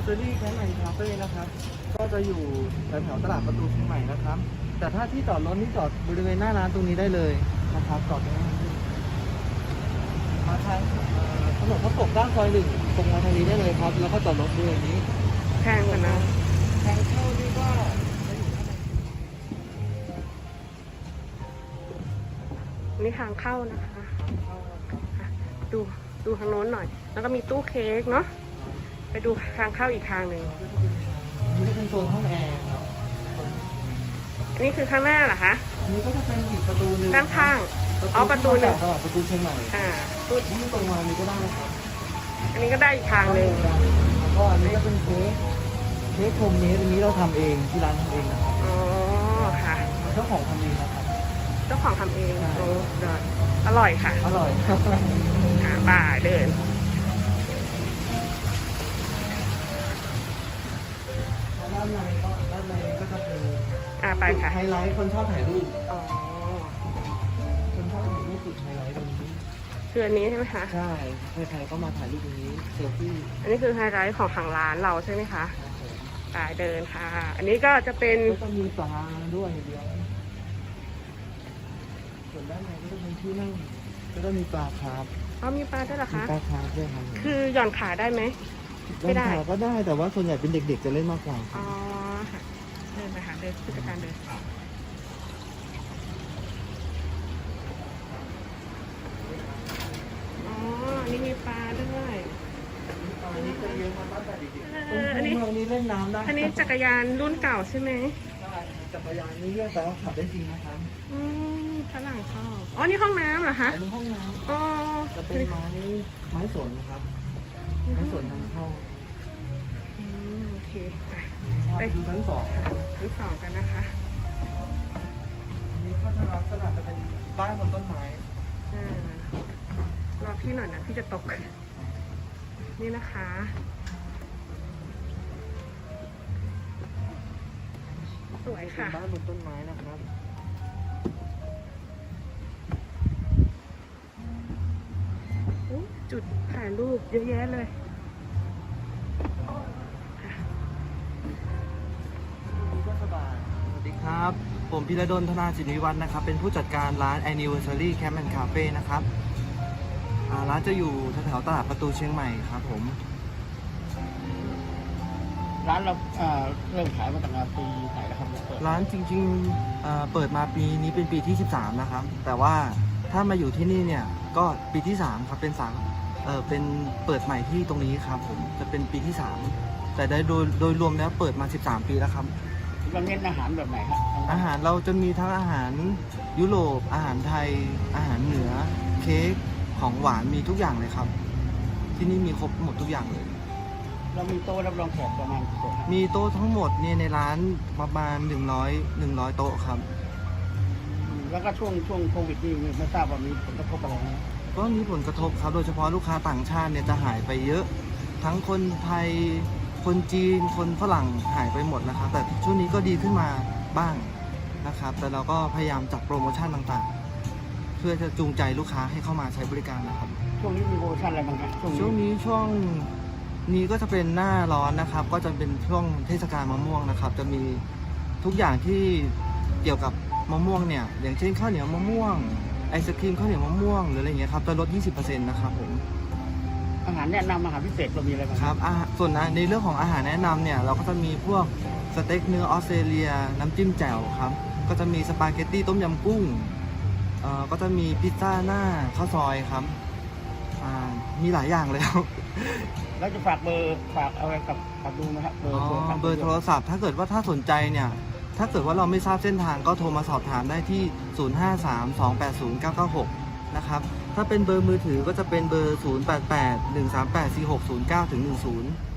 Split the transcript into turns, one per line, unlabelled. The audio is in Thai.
Anniversary Camp and Cafe นะครับก็จะอยู่แถวตลาดประตูเชียงใหม่นะครับแต่ถ้าที่จอดรถนี่จอดบริเวณหน้าร้านตรงนี้ได้เลยนะครับจอดตรงนี้มาทางถนนพระปกด้านซอย 1ตรงมาทางนี้ได้เลยครับแล้วก็จอดรถบริเวณนี้
แพงกว่านะ
ทางเข้านี่ก็
นี่ทางเข้านะคะดูทางโน้นหน่อยแล้วก็มีตู้เค้กเนาะไปดูทางเข้าอีกทางหนึ่ง
นี่เป็นโซนห้องแอร์ครับ
อันนี้คือข้างหน้าเหรอคะ
อันนี้ก็จะเป็นอีกประตูนึง
ด้านข้างประตูหนึ่ง
ประตูเชียงใหม่
ตู้
ที่ตรงมานี้ก็ได้ครับ
อันนี้ก็ได้อีกทางหนึ่ง
แล้วก็อันนี้ก็เป็นเค้กโฮมเมดอันนี้เราทำเองที่ร้านทำเองนะครับ
อ๋อค่ะ
เจ้าของทำเองนะครับ
เจ้าของทำเองโอ้อร่อยค่ะ
อร่อย
บ่ายเดิน
ด้านในก็จะเป็น
ไปค่ะ
ไฮไลท์คนชอบถ่ายรูป
อ๋อ
คนชอบถ่ายรูปสุดไฮไลท์ตรงนี้
คืออันนี้ใช่ไหมคะ
ใช่ใครๆก็มาถ่ายรูปตรงนี้เซลฟี่
อันนี้คือไฮไลท์ของทางร้านเราใช่ไหมคะบ่ายเดินค่ะอันนี้ก็จะเป็น
ก็มีปลาด้วยเดียวส่วนด้านในก็จะเป็นที่นั่งก็จะมีปลาครับ
มีปลาด้วยเหรอคะ
ปลาครับด้วยครับ
คือหย่อนขาได้ไหม
ไม่ได้ก็ได้แต่ว่าส่วนใหญ่เป็นเด็กๆจะเล่นมากกว่า
อ๋อค่ะเดินไปหาเดินผู้จัดการเดินนี่มีปลาด้วย
อันนี้จะเยอะมากแต่เด็กๆอันนี้เล่นน้ำได้
อันนี้จักรยานรุ่นเก่าใช่ไหม
ใช่จักรยานนี่เรื่องแต่ว่าขับได้จริงนะครับ
ฝรั่งชอบนี่ห้องน้ำเหรอคะ
อันนี้ห้องน้ำจะเป็นไม้สนครับไม้สนทางเข้า
โอเค
ไปดูชั้น2
กันนะคะ
อันนี้ก็จะลักษณะจะเป็นบ้านบนต้นไม้
รอพี่หน่อยนะพี่จะตกนี่นะคะสวยค่ะ
บ้านบนต้นไม้นะครับ
จุดถ่ายรูปเยอะแยะเลย
ก็สบายสวัสดีครับผมพิรดลธนาจิตวิวัฒน์นะครับเป็นผู้จัดการร้าน Anniversary Camp and Cafe นะครับร้านจะอยู่แถวตลาดประตูเชียงใหม่ครับผม
ร้านเราเริ่มขายมาตั้งแต่ปีไหนแล้วครับ
ร้านจริงๆเปิดมาปีนี้เป็นปีที่13นะครับแต่ว่าถ้ามาอยู่ที่นี่เนี่ยก็ปีที่3ครับเป็นเปิดใหม่ที่ตรงนี้ครับผมจะเป็นปีที่3แต่โดยรวมแล้วเปิดมา13ปีแล้วครับ
เราเน้นอาหารแบบไหนครับ
อาหารเราจะมีทั้งอาหารยุโรปอาหารไทยอาหารเหนือเค้กของหวานมีทุกอย่างเลยครับที่นี่มีครบหมดทุกอย่างเลย
เรามีโต๊ะรับรองแขกประมาณกี่โต๊ะ
มีโต๊ะทั้งหมดเนี่ยในร้านประมาณ100โต๊ะครับ
แล้วก็ช่วงโควิดนี่ไม่ทราบว่ามีผลกระทบอะไรไหม
ก็มีผลกระทบครับโดยเฉพาะลูกค้าต่างชาติเนี่ยจะหายไปเยอะทั้งคนไทยคนจีนคนฝรั่งหายไปหมดนะครับแต่ช่วงนี้ก็ดีขึ้นมาบ้างนะครับแต่เราก็พยายามจัดโปรโมชั่นต่างๆเพื่อจะจูงใจลูกค้าให้เข้ามาใช้บริการนะครับ
ช่วงนี้มีโปรโมชั่นอะไรบ้างครับ
ช่วงนี้ก็จะเป็นหน้าร้อนนะครับก็จะเป็นช่วงเทศกาลมะม่วงนะครับจะมีทุกอย่างที่เกี่ยวกับมะม่วงเนี่ยอย่างเช่นข้าวเหนียวมะม่วงไอศครีมข้าวเหนียวมะม่วงหรืออะไรเงี้ยครับจะลด 20% นะครับผม
อาหารแนะนำอาหารพิเศษเรามีอะไรบ้าง
ครับส่วนในเรื่องของอาหารแนะนำเนี่ยเราก็จะมีพวกสเต็กเนื้อออสเตรเลียน้ำจิ้มแจ่วครับก็จะมีสปาเกตตี้ต้มยำกุ้งก็จะมีพิซซ่าหน้าข้าวซอยครับมีหลายอย่างเลยครับ
แล้วจะฝากอะไรกับดูนะครับ
เบอร์โทรศัพท์ถ้าเกิดว่าถ้าสนใจเนี่ยถ้าเกิดว่าเราไม่ทราบเส้นทางก็โทรมาสอบถามได้ที่0532809996นะครับถ้าเป็นเบอร์มือถือก็จะเป็นเบอร์0881384609-10